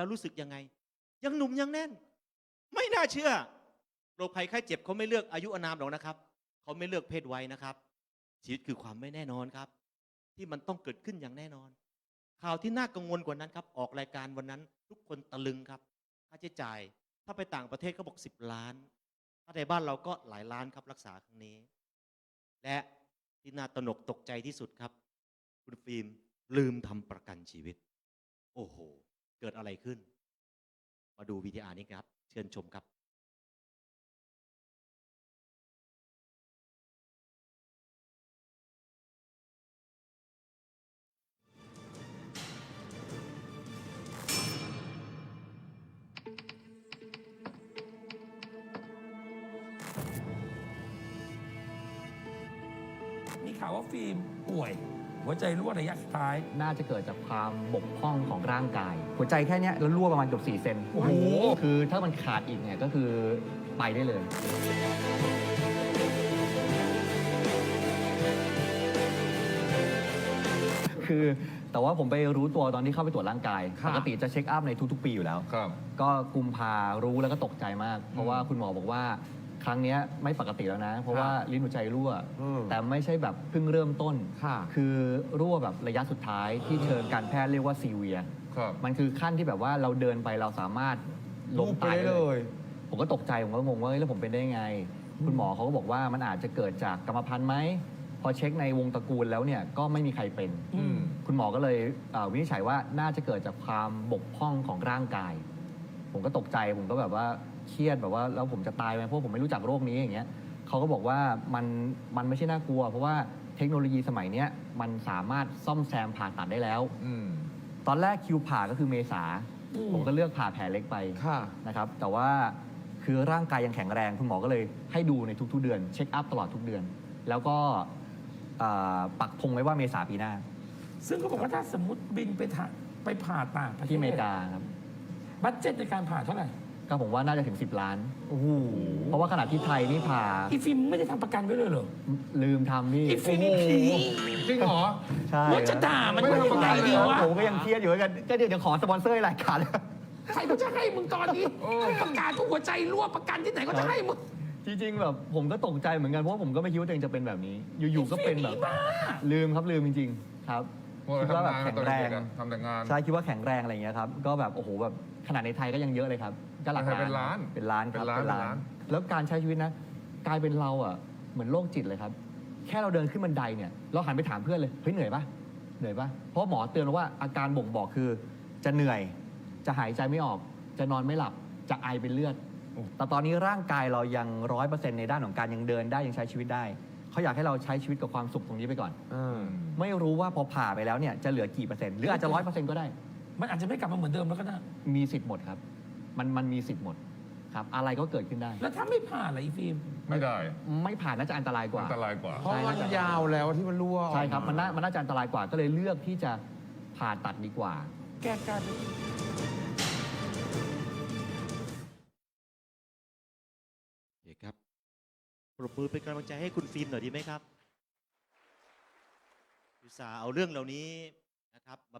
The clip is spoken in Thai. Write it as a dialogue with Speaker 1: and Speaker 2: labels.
Speaker 1: แล้วรู้สึกยังไงยังหนุ่มยังแน่นไม่น่าเชื่อโรคภัยไข้เจ็บเขาไม่เลือกอายุอานามหรอกนะครับเขาไม่เลือกเพศวัยนะครับชีวิตคือความไม่แน่นอนครับที่มันต้องเกิดขึ้นอย่างแน่นอนข่าวที่น่ากังวลกว่านั้นครับออกรายการวันนั้นทุกคนตะลึงครับค่าใช้จ่ายถ้าไปต่างประเทศเขาบอก10 ล้านถ้าในบ้านเราก็หลายล้านครับรักษาครั้งนี้และที่น่าตระหนกตกใจที่สุดครับคุณฟิล์มลืมทำประกันชีวิตโอ้โหเกิดอะไรขึ้นมาดูวีดีอาร์นี้ครับเชิญชมครับ
Speaker 2: มีข่าวว่าฟิล์มป่วย หัวใจรั่วระยะสุดท้าย
Speaker 3: น่าจะเกิดจากความบกพร่องของร่างกาย หัวใจแค่เนี้ยแล้วรั่วประมาณเกือบ4 เซน
Speaker 2: โอ้โห
Speaker 3: คือถ้ามันขาดอีกเนี่ยก็คือไปได้เลย คือแต่ว่าผมไปรู้ตัวตอนที่เข้าไปตรวจร่างกาย
Speaker 4: ครับ
Speaker 3: ปกติจะเช็คอัพในทุกๆ ปีอยู่แล้ว
Speaker 4: ครับ
Speaker 3: ก็กุมภารู้แล้วก็ตกใจมาก เพราะว่าคุณหมอบอกว่าครั้งเนี้ยไม่ปกติแล้วนะ เพราะว่าลิ้นหัวใจรั่ว แต่ไม่ใช่แบบเพิ่งเริ่มต้น
Speaker 4: ค่ะ
Speaker 3: คือรั่วแบบระยะสุดท้ายที่เชิงการแพทย์เรียกว่าซีเวีย
Speaker 4: ครับ
Speaker 3: มันคือขั้นที่แบบว่าเราเดินไปเราสามารถล้มตายได้เลย ผมก็ตกใจ ผมก็งงว่าเฮ้ยแล้วผมเป็นได้ยังไง คุณหมอเขาก็บอกว่ามันอาจจะเกิดจากกรรมพันธุ์ไหม พอเช็คในวงตระกูลแล้วเนี่ยก็ไม่มีใครเป็น
Speaker 2: อืม
Speaker 3: คุณหมอก็เลยวินิจฉัยว่าน่าจะเกิดจากความบกพร่องของร่างกาย ผมก็ตกใจ ผมก็แบบว่าเครียดแบบว่าแล้วผมจะตายไหมเพราะผมไม่รู้จักโรคนี้อย่างเงี้ยเขาก็บอกว่ามันไม่ใช่น่ากลัว เพราะว่าเทคโนโลยีสมัยเนี้ยมันสามารถซ่อมแซมผ่าตัดได้แล้ว
Speaker 4: อืม
Speaker 3: ตอนแรกคิวผ่าก็คือเมษา ผมก็เลือกผ่าแผลเล็กไป
Speaker 4: ค่ะ
Speaker 3: นะครับ แต่ว่าคือร่างกายยังแข็งแรง คุณหมอก็เลยให้ดูในทุกๆเดือน เช็คอัพตลอดทุกเดือน แล้วก็ปักธงไว้ว่าเมษาปีหน้า
Speaker 2: ซึ่งเขาบอกว่าถ้าสมมติบินไปผ่าต่างประเทศ
Speaker 3: ที่อเมริกาครับ
Speaker 2: บัตเจ็ตในการผ่าเท่าไหร่
Speaker 3: ก็ผมว่าน่าจะถึง 10 ล้าน เพราะว่าขนาดที่ไทยนี่ผ่า
Speaker 2: อีฟิล์มไม่ได้ทำประกันไว้เลยเหรอ
Speaker 3: ลืมทำนี่
Speaker 2: อีฟิล์ม
Speaker 4: โอ้โห จริงเหรอ
Speaker 3: ใช่
Speaker 2: ว่าจะด่ามัน
Speaker 4: ไม่
Speaker 2: ว่า
Speaker 4: ทำ
Speaker 2: ยั
Speaker 4: ประ
Speaker 2: ง
Speaker 4: กั
Speaker 2: ไง
Speaker 4: นเลย
Speaker 2: ดี
Speaker 4: เหรอ
Speaker 2: วะ
Speaker 3: ผมก็ยังเครียดอยู่เหมือนกันก็เดี๋ยวขอสปอนเซอร์รายการ
Speaker 2: ใครเขาจะให้มึงตอนนี้ประกาศทุกหัวใจรั่วประกันที่ไหนก็จะให้มึง
Speaker 3: จริงๆแบบผมก็ตกใจเหมือนกันเพราะว่าผมก็ไม่คิดว่าตัวเองจะเป็นแบบนี้ อยู่ๆก็เป็นแบบ ลืมครับลืมจริงๆครับ
Speaker 4: เพราะว่า
Speaker 3: คิดว่าแบบ
Speaker 4: ทำงาน
Speaker 3: แข็ง
Speaker 4: ตอน
Speaker 3: แร
Speaker 4: เด็
Speaker 3: ง
Speaker 4: กๆอะทำแต่งาน
Speaker 3: ใช่คิดว่าแข็งแรงอะไรอย่างเงี้ยครับก็แบบโอ้โหแบบขนาดในไทยก็ยังเยอะเลยครับก็หลัก
Speaker 4: เป็นล้าน
Speaker 3: เป็นล้านครับ
Speaker 4: เป็นล้าน
Speaker 3: แล้วการใช้ชีวิตนะกลายเป็นเราอ่ะเหมือนโรคจิตเลยครับ แค่เราเดินขึ้นบันไดเนี่ยเราหันไปถามเพื่อนเลยเฮ้ยเหนื่อยปะเหนื่อยปะเพราะหมอเตือนเราว่าอาการบ่งบอกคือจะเหนื่อย จะหายใจไม่ออก จะนอนไม่หลับจะไอเป็นเลือด แต่ตอนนี้ร่างกายเรายัง100%ในด้านของการยังเดินได้ยังใช้ชีวิตได้เขาอยากให้เราใช้ชีวิตกับความสุขตรงนี้ไปก่อน ไม่รู้ว่าพอผ่าไปแล้วเนี่ยจะเหลือกี่เปอร์เซ็นต์หรืออาจจะ100%ก็ได้
Speaker 2: มันอาจจะไม่กลับมาเหมือนเดิมแล้วก็ได้
Speaker 3: มีสิทธิ์หมดครับ มันมีสิทธิ์หมดครับอะไรก็เกิดขึ้นได้
Speaker 2: แล้วถ้าไม่ผ่าล่ะอีฟิล์ม
Speaker 4: ไม่ได้
Speaker 3: ไม่ผ่านน่าจะอันตรายกว่า
Speaker 4: อันตรายกว่า
Speaker 5: เพราะมันยาวแล้วที่มันรั่วออก
Speaker 3: ใช่ครับมันน่าจะอันตรายกว่าก็เลยเลือกที่จะผ่าตัดดีกว่า
Speaker 2: แก้การ
Speaker 1: โอเคครับปรบมือเป็นกำลังใจให้คุณฟิล์มหน่อยดีไหมครับอุตส่าห์เอาเรื่องเหล่านี้นะครับมา